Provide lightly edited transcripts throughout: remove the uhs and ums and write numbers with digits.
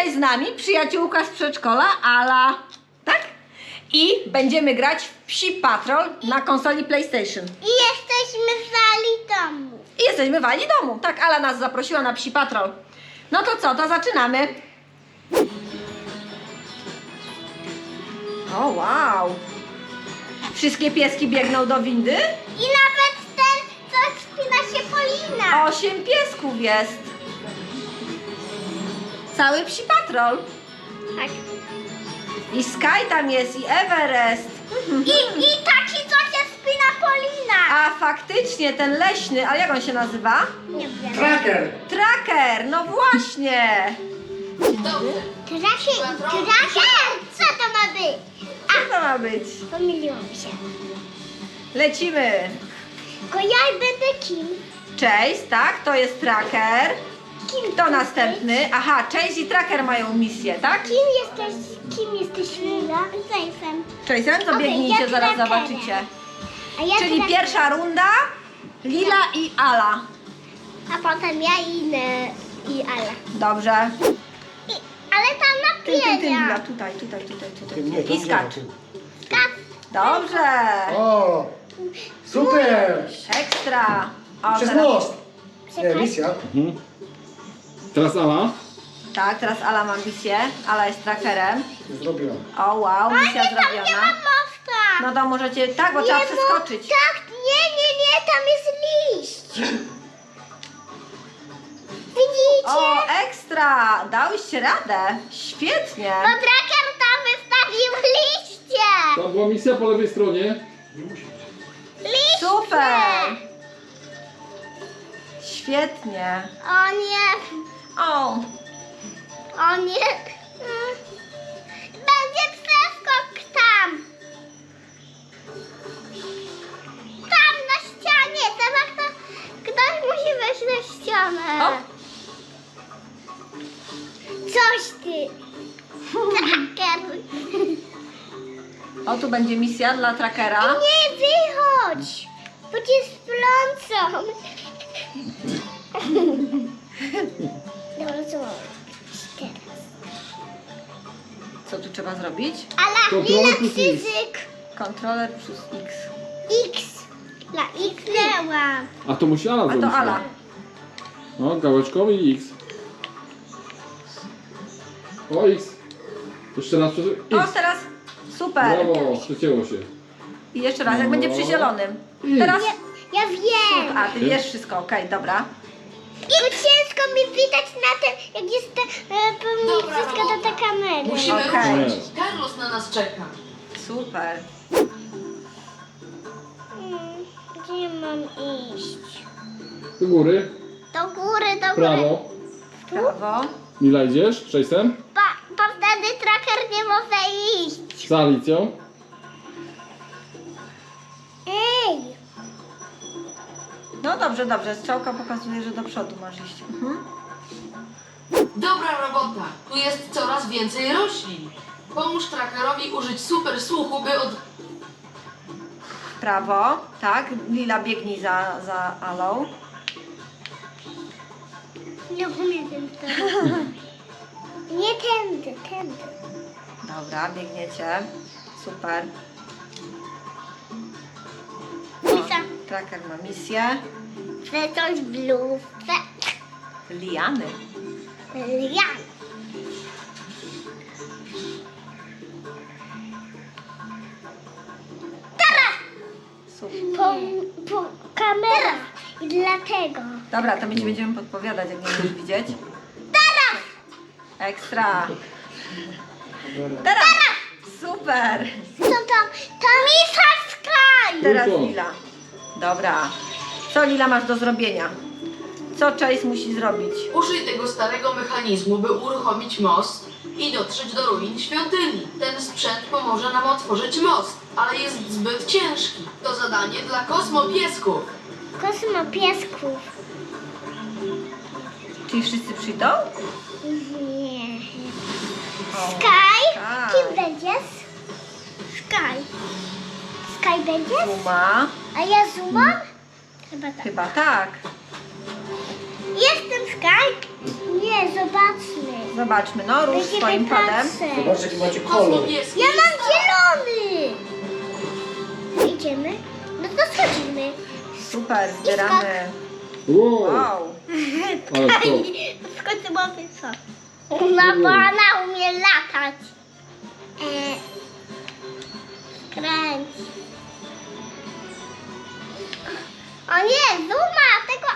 Dzisiaj z nami przyjaciółka z przedszkola, Ala, tak? I będziemy grać w Psi Patrol na konsoli PlayStation. I jesteśmy w sali domu. I jesteśmy w Ali domu. Tak, Ala nas zaprosiła na Psi Patrol. No to co, to zaczynamy. O, wow. Wszystkie pieski biegną do windy? I nawet ten, co wspina się Polina. 8 piesków jest. Cały Psi Patrol. Tak. I Sky tam jest, i Everest. I taki, co się wspina Polina. A faktycznie, ten leśny, ale jak on się nazywa? Nie wiem. Tracker! Tracker, no właśnie. Tracker! Co to ma być? Co to ma być? Pomyliłam się. Lecimy. Tylko ja będę kim? Chase, tak, to jest Tracker. Kto następny? Aha, Chase i Tracker mają misję, tak? Kim jesteś Lila? Zajfem. Chase'em to Okej, biegnijcie, ja zaraz Trackerem. zobaczycie. A ja Czyli tracker. pierwsza runda, Lila i Ala. A potem ja i Ala. Dobrze. Ale tam na Ty, Lila, pienia. tutaj. Nie, I skacz. Dobrze. O! Super! Ekstra. O, Przez teraz, most! Nie, misja. Teraz Ala. tak, teraz Ala ma misję. Ala jest Trackerem. Zrobiłam. O, wow, misja Tam nie zrobiona. ma mosta. No to możecie, tak, bo trzeba Nie, przeskoczyć. Tak, nie, tam jest liść. Widzicie? O, ekstra! Dałyście radę. Świetnie. Bo tracker tam wystawił liście. To była misja po lewej stronie. Liście. Super. Świetnie. O nie, O, o nie. Będzie przeskok tam. Tam na ścianie. Teraz ktoś musi wejść na ścianę. o. Coś ty. Tracker. O, tu będzie misja dla Trackera. Nie wychodź, bo cię splącą. Dobra, co mam teraz? Co tu trzeba zrobić? Ale Kontrola Lila plus X. Krzyżyk. Kontroler plus X. X. Dla X dałam. A to musi Ala A zrobić. to Ala. No, gałeczkowy i X. O, X. Jeszcze raz przez O, X. teraz super. Brawo, przecięło się. I jeszcze raz, jak będzie przy zielonym. I. Teraz. Ja wiem. A, ty wiesz wszystko, okej, dobra. Tylko ciężko mi widać na tym, jak jest pełni wszystko do tej kamery. Musimy Okej. ruszyć. Carlos na nas czeka. Super. Gdzie mam iść? Do góry, Do góry, do góry. prawo. Prawo. Lila idziesz, Chase'em. Bo wtedy tracker nie może iść. Z Alicją. Ej! No dobrze, dobrze. Strzałka pokazuje, że do przodu masz iść. Mhm. Dobra robota. Tu jest coraz więcej roślin. Pomóż trackerowi użyć super słuchu, by od... Prawo. Tak. Lila biegnij za Alą. Nie umiem to. Nie tędy. Dobra, biegniecie. Super. Lisa, Tracker ma misję. chcę coś w lufce. Liany. Ja. Super. Po kamera. I dlatego. Dobra, to my ci będziemy podpowiadać, jak nie będziesz widzieć. Teraz! Ekstra. Teraz! Super. Co tam? Tam jest Sky. Teraz Tylko. Lila. Dobra. Co Lila masz do zrobienia? Co Chase musi zrobić? Użyj tego starego mechanizmu, by uruchomić most i dotrzeć do ruin świątyni. Ten sprzęt pomoże nam otworzyć most, ale jest zbyt ciężki. To zadanie dla kosmopiesków. Kosmo piesków. Czyli wszyscy przyjdą? Nie. O, Sky? tak. Kim będziesz? Sky. Sky będziesz? Zuma. A ja Zuma? Chyba tak. Chyba tak. Jestem Sky. Nie, zobaczmy. Zobaczmy, no rusz Będziemy swoim padem. patrzeć. Zobaczcie, jaki macie kolor. Kosmopieski. Ja mam zielony. Idziemy? No to schodzimy. Super, zbieramy. Wow, Wow. ale to. W końcu mamy co? Bo ona umie latać. Kręć. O nie, Zuma,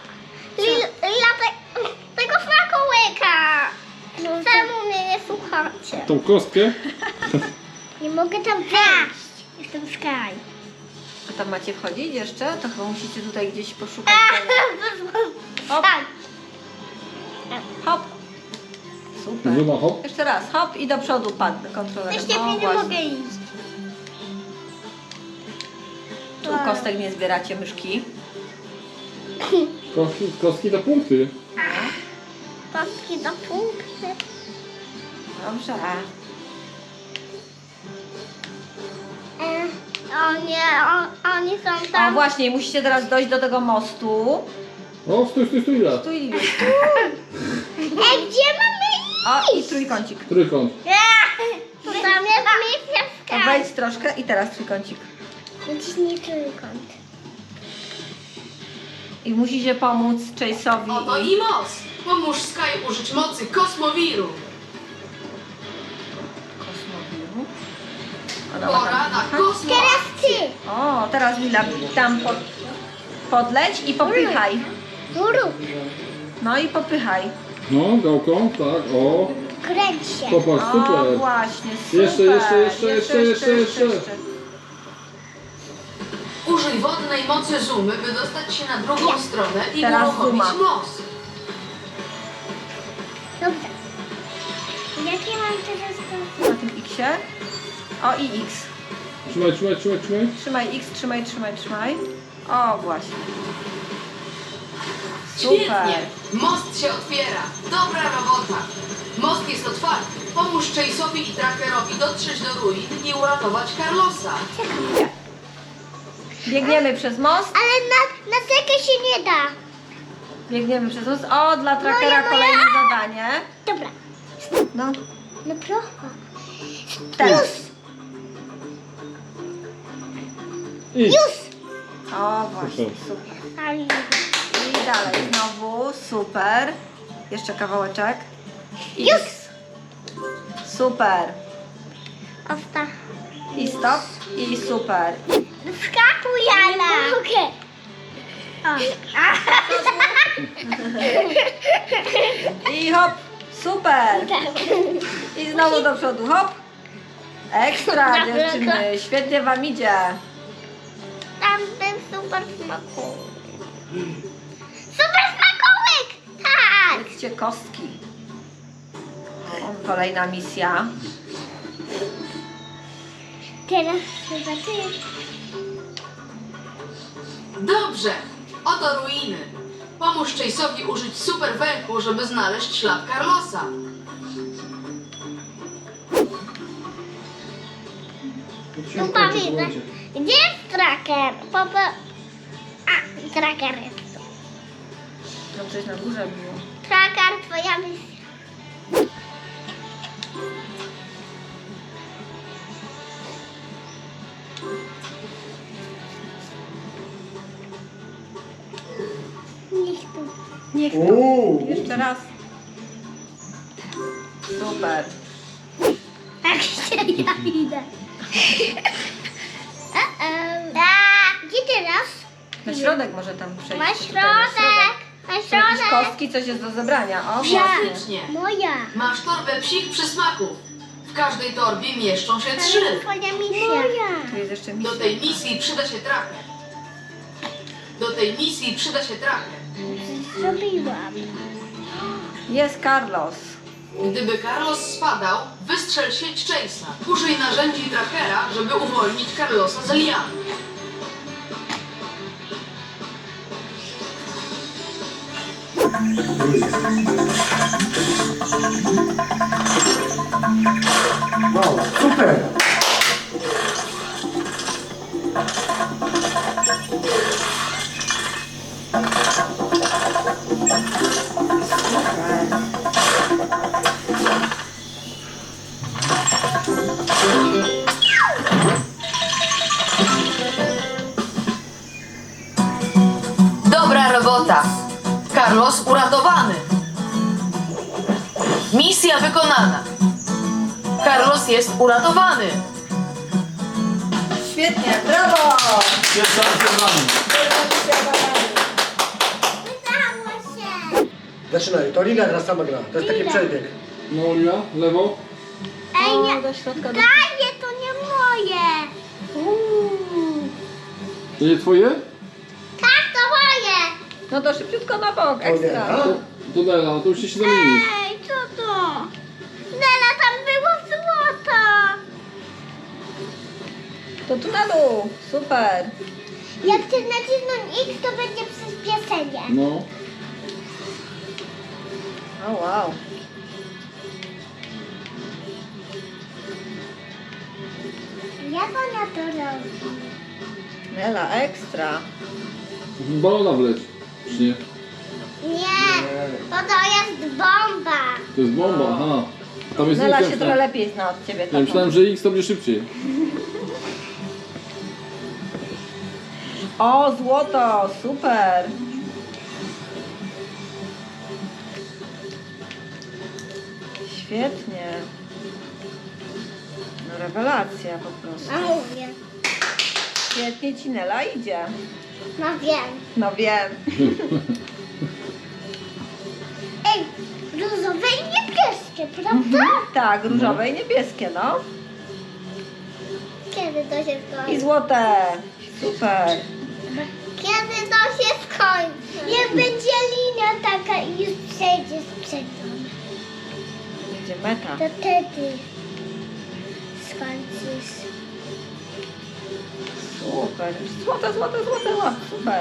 tego smakołyka. Czemu mnie nie słuchacie? Tą kostkę? Nie mogę tam wejść. Jestem Sky. A tam macie wchodzić jeszcze? To chyba musicie tutaj gdzieś poszukać. Hop. Tak. Hop. Super. Zuma hop. Jeszcze raz, hop i do przodu padł kontrolerem. Jeszcze O, nie właśnie. mogę iść. Tu kostek nie zbieracie, myszki. Kostki to punkty. Kostki do punkty. Dobrze. O nie, oni są O tam. właśnie, musicie teraz dojść do tego mostu. O, stój, lat. Tu i już. Gdzie mamy O, i trójkącik. Trójkąt. To tam jest misja To Sky. wejdź troszkę i teraz trójkącik. Naciśnij trójkąt. I musicie pomóc Chase'owi. Oto i most. Pomóż Sky użyć mocy kosmowiru. Kosmowiru. Ona ma Pora tam- na kosmos. Teraz ty. O, teraz Mila tam podleć i popychaj. Rób. No i popychaj. No, gałką, tak, o. Kręć się. Popatrz, O, super. właśnie, super. Jeszcze. Użyj wodnej mocy Zumy, by dostać się na drugą stronę i Teraz uruchomić Zuma. most. Dobrze. Jakie mam teraz to? Na tym X-ie. O, i X. Trzymaj. Trzymaj X, trzymaj. O, właśnie. Super. Świetnie! Most się otwiera. Dobra robota. Most jest otwarty. Pomóż Chase'owi i Trackerowi dotrzeć do ruin i uratować Carlosa. Biegniemy przez most. Ale na tekę się nie da. Biegniemy przez most. O, dla Trackera kolejne zadanie. Dobra. No, No proszę. teraz. I. O, właśnie, super. Ale I dalej znowu, super. Jeszcze kawałeczek. I Już. X. Super. Osta. I stop. I super. Wskakuj, Jana. Nie mogę. I hop. Super. I znowu do przodu, hop. Ekstra, dziewczyny. Świetnie wam idzie. Tam ten super smakołyk. Super smakołyk! Tak! Jedzcie kostki. O, kolejna misja. Teraz chyba ty. Dobrze. Oto ruiny. Pomóż Chase'owi użyć super węchu, żeby znaleźć ślad Carlosa. Tu widzę. Gdzie jest Tracker? A, Tracker jest tu. No coś na górze było. Tracker, twoja misja. Niech tu. Niech to. Jeszcze raz. Super. Tak się ja idę. Gdzie teraz? Na środek może tam przejść. Na Tutaj na środek. Na Są jakieś środek. kostki, coś jest do zebrania. O, właśnie. Fantastycznie. Moja. Masz torbę psich przysmaków. W każdej torbie mieszczą się 3. Twoja misja. Moja. Tu jest jeszcze Do misja. tej misji przyda się Tracker. Zrobiłam. Jest Carlos. Gdyby Carlos spadał, wystrzel sieć Chase'a. Użyj narzędzi Trackera, żeby uwolnić Carlosa z lian. Wow, super. Super. wykonana. Carlos jest uratowany. Świetnie, brawo! Pierwsza akcja z nami. Udało się. Zaczynaj. To Lila teraz sama gra. To jest taki przebieg. No, Lila, lewo. Ej, nie. Do środka. Daję, to nie moje. To nie twoje? Tak, to moje. No to szybciutko na bok, ekstra. A? To Nela, to musicie się zamienić. Ej, co to? Nela, tam było złoto. To tu na dół, super. Jak chcesz nacisnąć X, to będzie przyspieszenie. No. O wow. Jak ona to robi? Nela, ekstra. Balona wleć. Czy nie? Nie, to jest bomba. To jest bomba, aha. Tam jest Nela X, się trochę lepiej zna od ciebie. Ja tato. myślałem, że X to będzie szybciej. O, złoto, super. Świetnie. No rewelacja po prostu. A mówię. Świetnie ci Nela idzie. No wiem. No wiem. Ej, różowe i niebieskie, prawda? Tak, różowe i niebieskie, no. Kiedy to się I skończy? złote. Super. Kiedy to się skończy? Jak będzie linia taka i już przejdzie z przodu, Będzie meta. to wtedy skończysz. Super. Złote, złote, złote, złote. Super.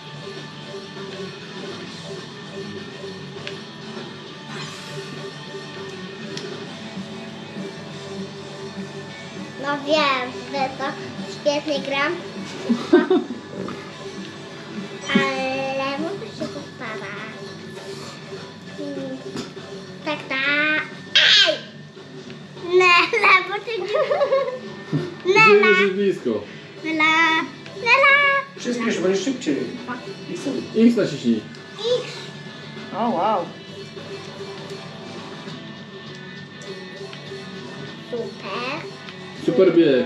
No wiem, że to świetnie gram. Ale muszę się postarać. Tak, tak. Ej! Nela, bo ty nie... Gdzie Nela, już jest blisko? Nela, Nela. Przyspiesz, będziesz szybciej. X naciśnij. X. O wow. Super. Super bieg.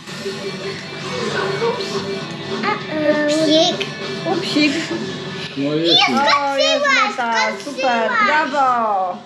Psik. Upsik. No jest. O, jest meta. Super. Brawo.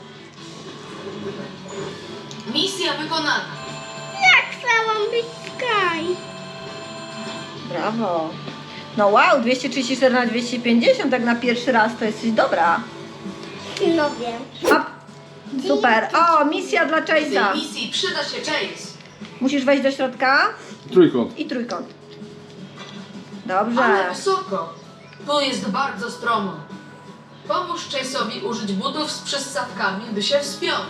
Misja wykonana. Jak chciałam być Sky. Brawo. No wow, 234 na 250, tak na pierwszy raz to jesteś dobra. No wiem. Hop. Super. O, misja dla W tej Chase'a. misji przyda się Chase. Musisz wejść do środka Trójkąt. i trójkąt. Ale Dobrze. wysoko. Tu jest bardzo stromo. Pomóż Chase'owi użyć butów z przystawkami, by się wspiął.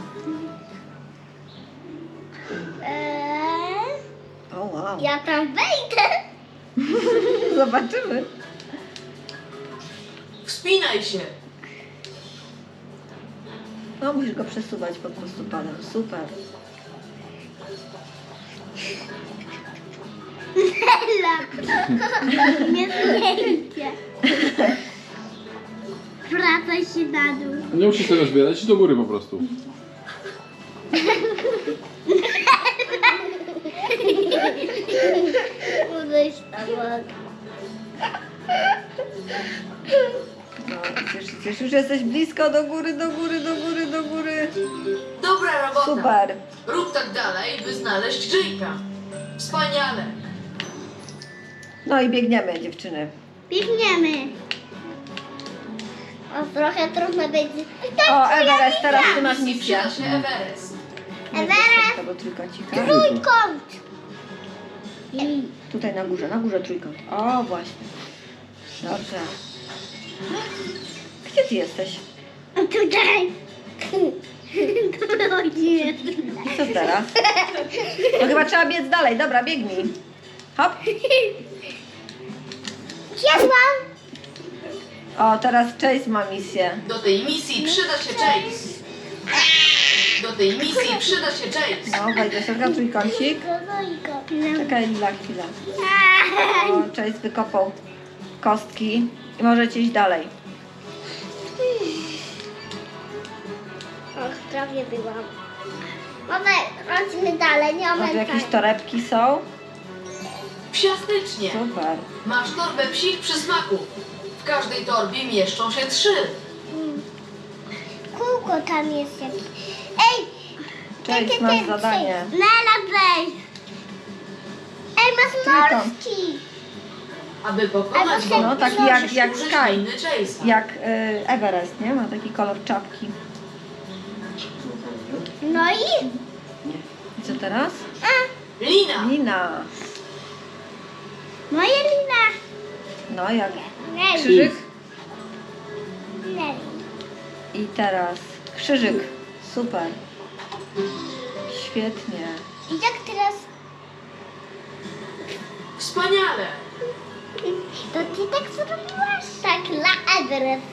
O wow. Ja tam wejdę. Zobaczymy. Wspinaj się. No musisz go przesuwać po prostu padem. Super. Nie zdjęcie. Wracaj się na dół. Nie musisz tego zbierać, idź do góry po prostu. Udejść tam. No, cieszysz, już jesteś blisko, do góry, do góry, do góry, do góry. Dobra robota. Super. Rób tak dalej, by znaleźć Jake'a. Wspaniale. No i biegniemy, dziewczyny. Biegniemy. O, trochę trudno będzie. O, Everest, teraz ty masz Misji misję. przyda się Everest. Everest. Tego trójkącika. Trójkąt. Tutaj na górze trójkąt. O, właśnie. Dobrze. Gdzie ty jesteś? Tutaj. Chodzimy. I co teraz? No chyba trzeba biec dalej. Dobra, biegnij. Hop. Zjadłam. O, teraz Chase ma misję. Do tej misji przyda się Chase. Do tej misji przyda się Chase. No, wejdź do środka, trójkącik. Czekaj, Lila, chwila. O, Chase wykopał kostki i możecie iść dalej. Och, prawie byłam. Mamy, chodźmy dalej, nie Może mamy jakieś tak. torebki są? Psiastycznie. Super. Masz torbę psich przysmaków. W każdej torbie mieszczą się 3. Kółko tam jest jakieś. Ej! Cześć, masz zadanie. Nela, weź! Ej, masz Trójkąt. morski! Aby pokonać No, go, taki musisz jak użyć Sky. liny Chase'a. Jak Everest, nie? Ma taki kolor czapki. No i? I co teraz? Lina. Lina. Moja lina! No, jak Neli. krzyżyk. Neli. I teraz krzyżyk. Super. Świetnie. I jak teraz? Wspaniale. To ty tak zrobiłaś? Tak, dla Everest.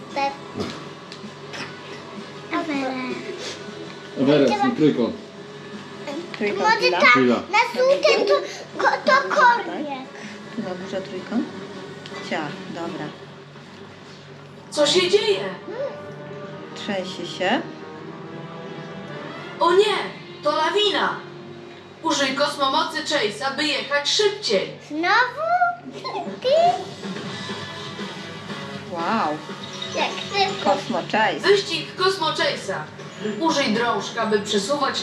Everest. Everest i trójkąt. Trójkąt Może lila. tak, Lila. na żółtym to korwiek. Tu na górze trójkąt. Ciach, dobra. Co się dzieje? Trzęsie się. O nie, to lawina. Użyj kosmomocy Chase'a, by jechać szybciej. Znowu? Ty? Wow. Jak szybko. Cosmo Chase. Wyścig Kosmo Chase'a. Użyj drążka, by przesuwać...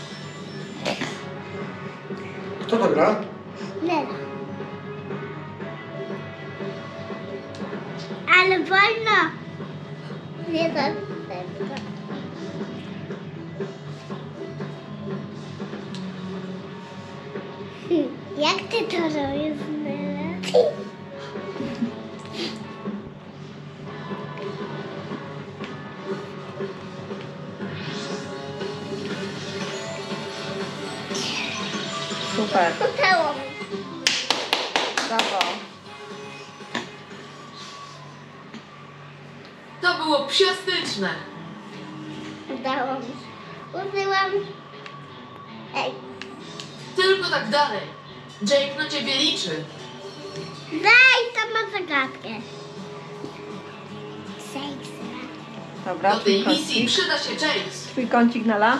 Kto to gra? Nela. Ale wolno. Nie tak szybko. Jak ty to robisz, Nela? Super. Udało mi. Brawo. To było psiastyczne. Udało mi się. Użyłam... Ej, Tylko tak dalej. Jake na ciebie liczy. daj, tam ma zagadkę. Sejks. Dobra, Do tej misji trójkącik. przyda się Chase. Trójkącik Nela.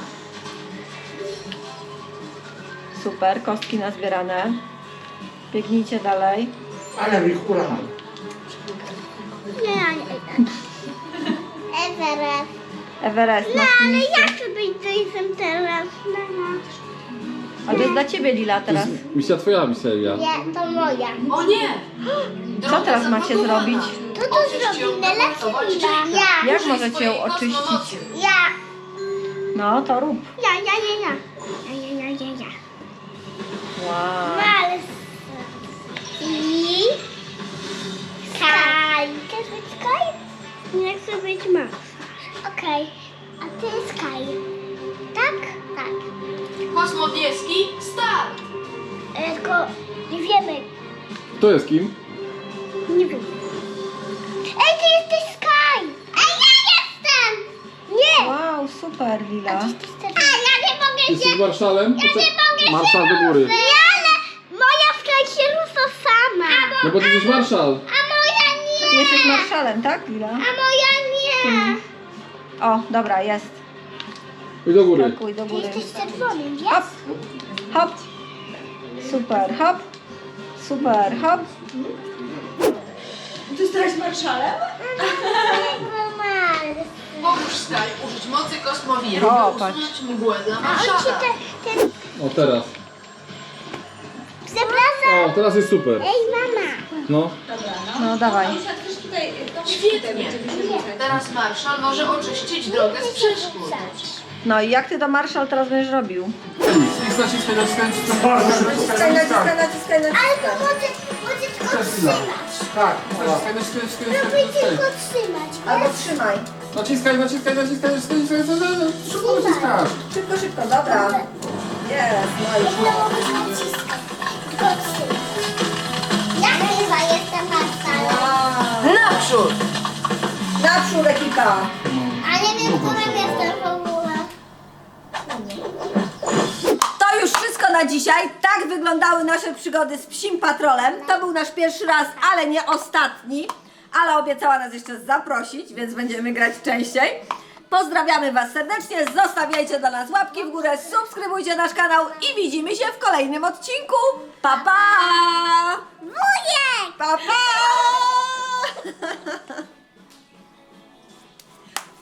Super, kostki nazbierane. Biegnijcie dalej. Ale mi hura. Nie. Everest. Everest No, na ale miejscu. ja chcę być Jason teraz. No. A to jest dla ciebie, Lila, To teraz. jest misja twoja, misja Elia. Nie, to moja. O nie! Co teraz macie zablokowana. zrobić? To to Oczyść ją, zrobi by Nela uratować czy Lila? Jake'a. Ja. Jak Użyj możecie swojej ją oczyścić? kosmomocy. Ja. No, to rób. Ja. Wow. Ale... I... Sky. Chcesz być Sky? Nie chcę być Max. Okej. A ty Sky. Tak? Tak. Kosmo niebieski, start! Tylko nie wiemy. Kto jest kim? Nie wiem. Ej, ty jesteś Sky! Ej, ja jestem! Nie! Wow, super, Lila. A, ja nie mogę Jesteś się... marszalem? Ja nie mogę Marszal się do góry. ruszyć. Ale moja Sky się rusza sama. No bo ty jesteś marszal. A moja Ty nie! jesteś marszalem, tak, Lila? A moja nie! O, dobra, jest. Idź do góry. Skakuj do Ty góry. jesteś czerwonym, Hop, jest? hop. Super, hop. Super, hop. Ty jesteś marszalem? Normalny. Pomóż Sky użyć mocy kosmowiru, O, by patrz. usunąć mgłę dla A on ci marszala. ten... O, teraz. Przepraszam. O, teraz jest super. Ej, mama. No. No, dawaj. Też tutaj, Świetnie. Teraz marszal może oczyścić drogę z przeszkód. No i jak ty to marszal teraz będziesz robił? naciskaj, Ale to może tylko trzymać. Tak. Próbuj tylko trzymać. Albo trzymaj. naciskaj, szybko naciskasz. Szybko, szybko, dobra. Jest, no i Możesz naciskać. Tylko trzymać. Ja chyba jestem marszalem. Naprzód! naprzód ekipa. A nie wiem, którym jestem w ogóle. To już wszystko na dzisiaj. Tak wyglądały nasze przygody z Psim Patrolem. To był nasz pierwszy raz, ale nie ostatni. Ale obiecała nas jeszcze zaprosić, więc będziemy grać częściej. Pozdrawiamy Was serdecznie, zostawiajcie dla nas łapki w górę, subskrybujcie nasz kanał i widzimy się w kolejnym odcinku. Pa, pa! Wujek! Pa, pa!